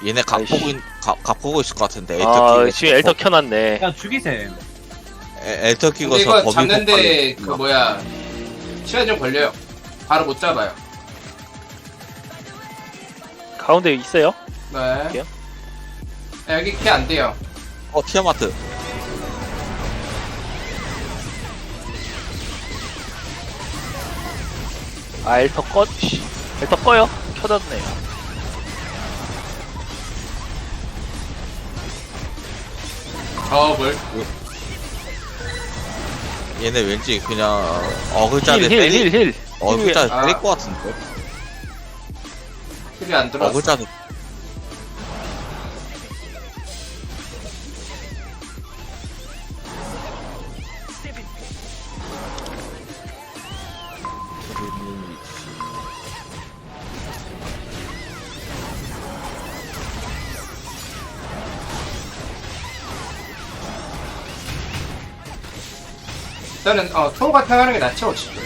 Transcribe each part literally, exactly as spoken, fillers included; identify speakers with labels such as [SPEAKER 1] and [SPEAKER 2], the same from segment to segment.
[SPEAKER 1] 얘네 각
[SPEAKER 2] 아이씨.
[SPEAKER 1] 보고 있, 각, 각 보고 있을 것 같은데. 엘터
[SPEAKER 2] 아
[SPEAKER 1] 끼고
[SPEAKER 2] 지금 엘터 켜놨네.
[SPEAKER 3] 그냥 죽이셈.
[SPEAKER 1] 에- 엘터 끼고
[SPEAKER 4] 근데
[SPEAKER 1] 서
[SPEAKER 4] 이거
[SPEAKER 1] 범위
[SPEAKER 4] 잡는데
[SPEAKER 1] 폭발이-
[SPEAKER 4] 그 뭐야 시간 좀 걸려요. 바로 못 잡아요.
[SPEAKER 2] 가운데 있어요?
[SPEAKER 4] 네.
[SPEAKER 2] 할게요.
[SPEAKER 4] 네, 여기 키 안 돼요.
[SPEAKER 1] 어 티아마트.
[SPEAKER 2] 아 엘터 꺼. 씨. 엘터 꺼요. 켜졌네.
[SPEAKER 4] 저걸
[SPEAKER 1] 얘네 왠지 그냥 어글자를
[SPEAKER 2] 힐 힐
[SPEAKER 1] 때리
[SPEAKER 2] 힐 힐.
[SPEAKER 1] 어글자를
[SPEAKER 4] 아.
[SPEAKER 1] 때릴 것 같은데.
[SPEAKER 4] 킬이 안 들어왔어.
[SPEAKER 1] 어글자를
[SPEAKER 4] 일단은 어 토가 타가는 게 낫죠. 지금.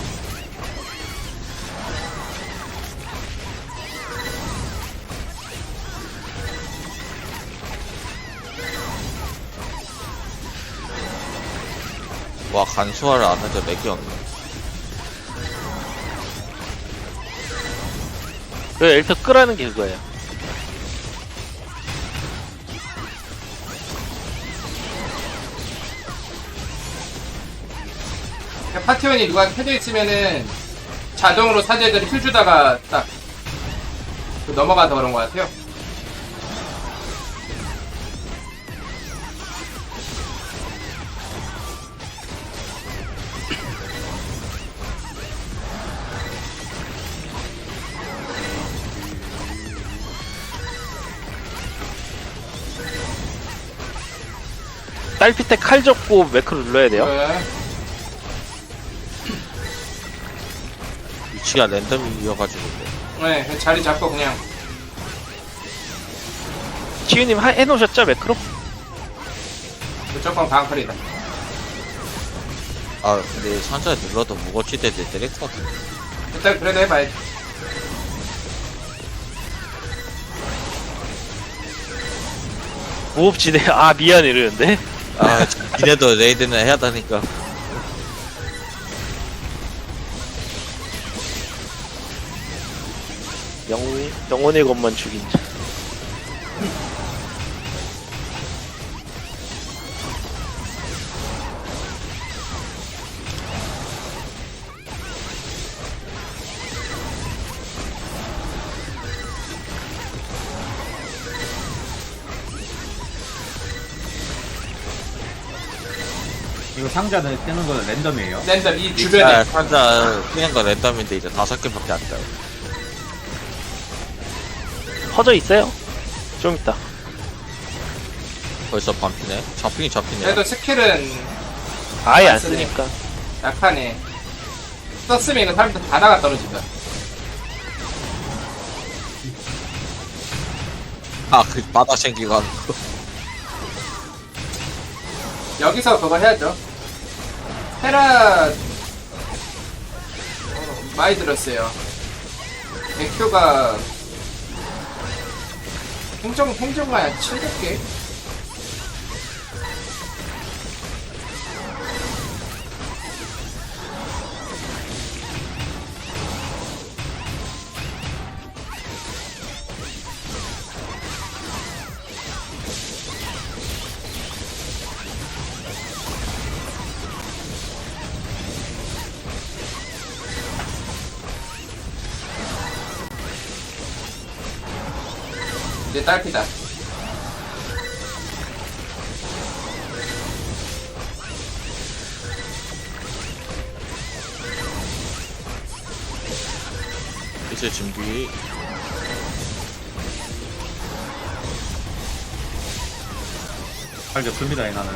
[SPEAKER 1] 와 간수화를 안 해도 렉이 없네.
[SPEAKER 2] 그 엘터 끄라는 게 그거예요.
[SPEAKER 4] 그냥 파티원이 누가 켜져 있으면은 자동으로 사제들이 힐 주다가 딱 그 넘어가서 그런 것 같아요.
[SPEAKER 2] 딸피테 칼 접고 매크로 눌러야 돼요.
[SPEAKER 4] 네.
[SPEAKER 1] 위치가 랜덤이어가지고.
[SPEAKER 4] 네, 그냥 자리 잡고 그냥
[SPEAKER 2] 치유님 하- 해놓으셨죠 매크로?
[SPEAKER 4] 무조건 방클이다.
[SPEAKER 1] 아 근데 산자에 눌러도 무거치대 때릴 것 같은데.
[SPEAKER 4] 일단 그래도 해봐야지.
[SPEAKER 2] 무법지대. 아 미안 이러는데.
[SPEAKER 1] 아 니네도 레이드는 해야 되니까.
[SPEAKER 2] 영웅 영혼의 것만 죽인 자.
[SPEAKER 3] 이거 상자는 뜨는 거는 랜덤이에요.
[SPEAKER 4] 랜덤 이
[SPEAKER 1] 아,
[SPEAKER 4] 주변에
[SPEAKER 1] 산자 그냥 거 랜덤인데 이제 다섯 개밖에 안 돼요.
[SPEAKER 2] 퍼져 있어요. 좀 있다.
[SPEAKER 1] 벌써 반피네. 잡히긴 잡히네.
[SPEAKER 4] 그래도 스킬은
[SPEAKER 2] 아예 안
[SPEAKER 4] 안 쓰네.
[SPEAKER 2] 쓰니까.
[SPEAKER 4] 약하네. 썼으면 이거 사람들 바다가 떨어진다.
[SPEAKER 1] 아그 바다 생기고 하는 거.
[SPEAKER 4] 여기서 그거 해야죠. 테라 어, 많이 들었어요. 백큐가 행정 행정가야 칠백 개. 이제 딸피다.
[SPEAKER 1] 이제 준비.
[SPEAKER 3] 잘 접습니다, 이 나는.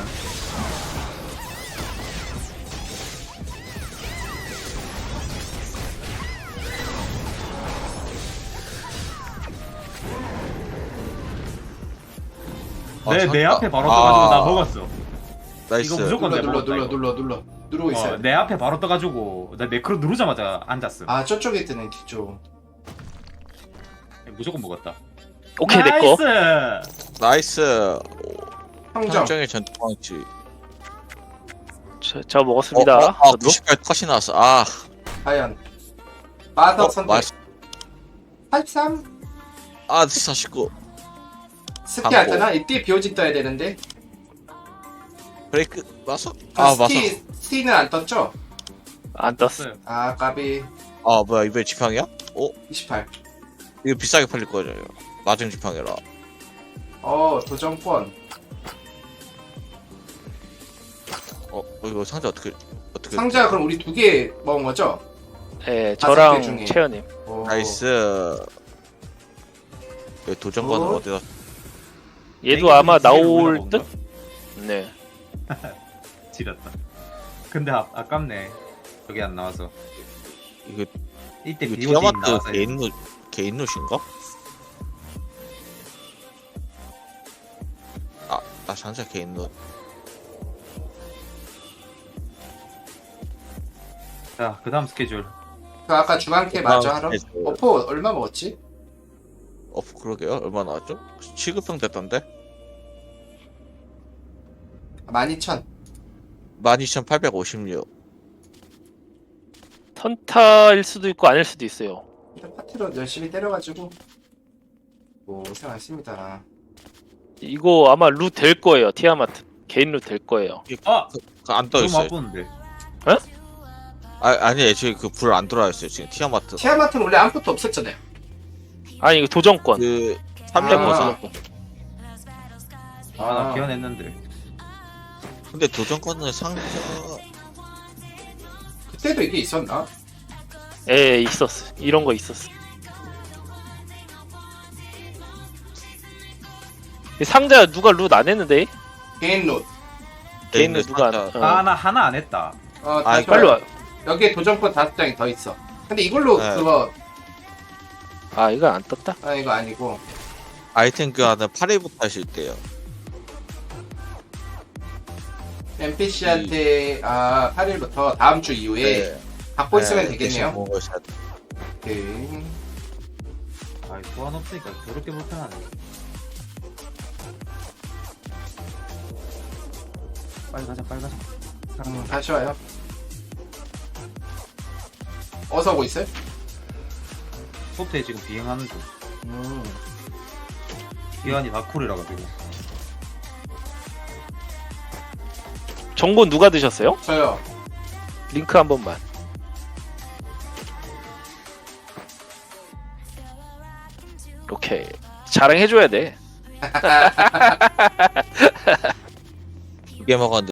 [SPEAKER 1] 아,
[SPEAKER 3] 내, 내
[SPEAKER 1] 잠깐.
[SPEAKER 3] 앞에 바로 떠가지고
[SPEAKER 1] 아,
[SPEAKER 3] 나 먹었어.
[SPEAKER 1] 나이스.
[SPEAKER 3] 이거 무조건
[SPEAKER 4] 눌러
[SPEAKER 3] 내
[SPEAKER 4] 눌러
[SPEAKER 3] 먹었다,
[SPEAKER 4] 눌러
[SPEAKER 3] 이거.
[SPEAKER 4] 눌러 눌러 누르고 있어요.
[SPEAKER 3] 어, 내 앞에 바로 떠가지고 나 매크로 누르자마자 앉았어.
[SPEAKER 4] 아 저쪽에 뜨는 뒤쪽.
[SPEAKER 3] 무조건 먹었다.
[SPEAKER 2] 오케이 내꺼.
[SPEAKER 3] 나이스!
[SPEAKER 1] 나이스.
[SPEAKER 4] 평정.
[SPEAKER 1] 평정의 전투망치.
[SPEAKER 2] 저, 저 먹었습니다.
[SPEAKER 1] 어, 어, 아,
[SPEAKER 2] 저도.
[SPEAKER 1] 구십팔 컷이 나왔어. 아,
[SPEAKER 4] 과연. 마더
[SPEAKER 1] 어,
[SPEAKER 4] 선택.
[SPEAKER 1] 맛.
[SPEAKER 4] 팔십삼.
[SPEAKER 1] 아, 사십구.
[SPEAKER 4] 스티
[SPEAKER 1] 광고.
[SPEAKER 4] 안 뜨나? 이때 비오진 떠야 되는데.
[SPEAKER 1] 브레이크 맞어?
[SPEAKER 4] 아,
[SPEAKER 1] 아, 맞어.
[SPEAKER 4] 스티, 스티는 안 떴죠?
[SPEAKER 2] 안 떴어.
[SPEAKER 4] 아, 까비.
[SPEAKER 1] 아, 뭐야 이번에 지팡이야? 어,
[SPEAKER 4] 이십팔.
[SPEAKER 1] 이거 비싸게 팔릴 거잖아요. 마중 지팡이라.
[SPEAKER 4] 어, 도전권.
[SPEAKER 1] 어, 이거 상자 어떻게 어떻게?
[SPEAKER 4] 상자 그럼 우리 두 개 먹은 거죠?
[SPEAKER 2] 예,
[SPEAKER 4] 다섯 개
[SPEAKER 2] 저랑
[SPEAKER 4] 중에.
[SPEAKER 2] 채연님.
[SPEAKER 4] 오.
[SPEAKER 1] 나이스. 왜 도전관은
[SPEAKER 4] 굿.
[SPEAKER 1] 어디다?
[SPEAKER 2] 얘도 아마 나올 듯? 네.
[SPEAKER 3] 지렸다. 근데 아, 아깝네. 저기 안 나와서.
[SPEAKER 1] 이거
[SPEAKER 3] 이때
[SPEAKER 1] 이거
[SPEAKER 3] 비오지
[SPEAKER 1] 티아마트
[SPEAKER 3] 나와서.
[SPEAKER 1] 개인 루 개인 룻인가? 아, 나 상자 개인 룻.
[SPEAKER 3] 자, 그 다음 스케줄.
[SPEAKER 4] 그 아까 중앙캐 마저
[SPEAKER 1] 아,
[SPEAKER 4] 하러.
[SPEAKER 1] 네,
[SPEAKER 4] 어포 얼마 먹었지?
[SPEAKER 1] 어, 그러게요. 얼마 나왔죠? 취급형 됐던데?
[SPEAKER 4] 만 이천.
[SPEAKER 1] 만 이천팔백오십육.
[SPEAKER 2] 선타일 수도 있고 아닐 수도 있어요.
[SPEAKER 4] 일단 파티로 열심히 때려가지고. 고생하셨습니다.
[SPEAKER 2] 이거 아마 루 될 거예요. 티아마트. 개인 루 될 거예요.
[SPEAKER 3] 아!
[SPEAKER 1] 안 떠
[SPEAKER 3] 너무
[SPEAKER 1] 있어요.
[SPEAKER 3] 아프는데.
[SPEAKER 1] 아, 아니, 애초에 그 불 안 들어와 있어요. 지금 티아마트.
[SPEAKER 4] 티아마트는 원래 아무것도 없었잖아요.
[SPEAKER 2] 아니 이거 도전권.
[SPEAKER 1] 그
[SPEAKER 4] 아.
[SPEAKER 1] 삼백퍼센트.
[SPEAKER 3] 아, 나
[SPEAKER 4] 아.
[SPEAKER 3] 기원했는데.
[SPEAKER 1] 근데 도전권은 상자
[SPEAKER 4] 그때도 이게 있었나?
[SPEAKER 2] 예, 있었어. 이런 거 있었어. 이 상자 누가 룻 안 했는데?
[SPEAKER 4] 개인 롯.
[SPEAKER 2] 개인
[SPEAKER 1] 있는
[SPEAKER 2] 루 누가 안?
[SPEAKER 1] 상자.
[SPEAKER 2] 어.
[SPEAKER 3] 아, 나 하나 안 했다.
[SPEAKER 4] 어,
[SPEAKER 1] 아,
[SPEAKER 4] 다시
[SPEAKER 2] 빨리
[SPEAKER 4] 와요.
[SPEAKER 2] 와.
[SPEAKER 4] 여기에 도전권 다섯 장이 더 있어. 근데 이걸로
[SPEAKER 1] 네.
[SPEAKER 4] 그거
[SPEAKER 2] 아 이거 안 떴다.
[SPEAKER 4] 아 이거 아니고
[SPEAKER 1] 아이템 교환은 팔 일부터 하실 때요.
[SPEAKER 4] 엔피씨한테 아 팔 일부터 다음 주 이후에
[SPEAKER 1] 네.
[SPEAKER 4] 갖고 있으면
[SPEAKER 1] 네,
[SPEAKER 4] 되겠네요.
[SPEAKER 1] 대신 먹은 걸 사야 돼.
[SPEAKER 4] 오케이.
[SPEAKER 3] 아, 소환 없으니까 저렇게 불편하네. 빨리 가자, 빨리 가자.
[SPEAKER 4] 음, 다시 와요. 어서 오고 있어요?
[SPEAKER 3] 소트에 지금 비행하는 중.
[SPEAKER 4] 음.
[SPEAKER 3] 기한이 다쿨이라 가지고.
[SPEAKER 2] 정보 누가 드셨어요?
[SPEAKER 4] 저요.
[SPEAKER 2] 링크 한 번만. 오케이. 자랑해줘야 돼.
[SPEAKER 1] 두 개 먹었는데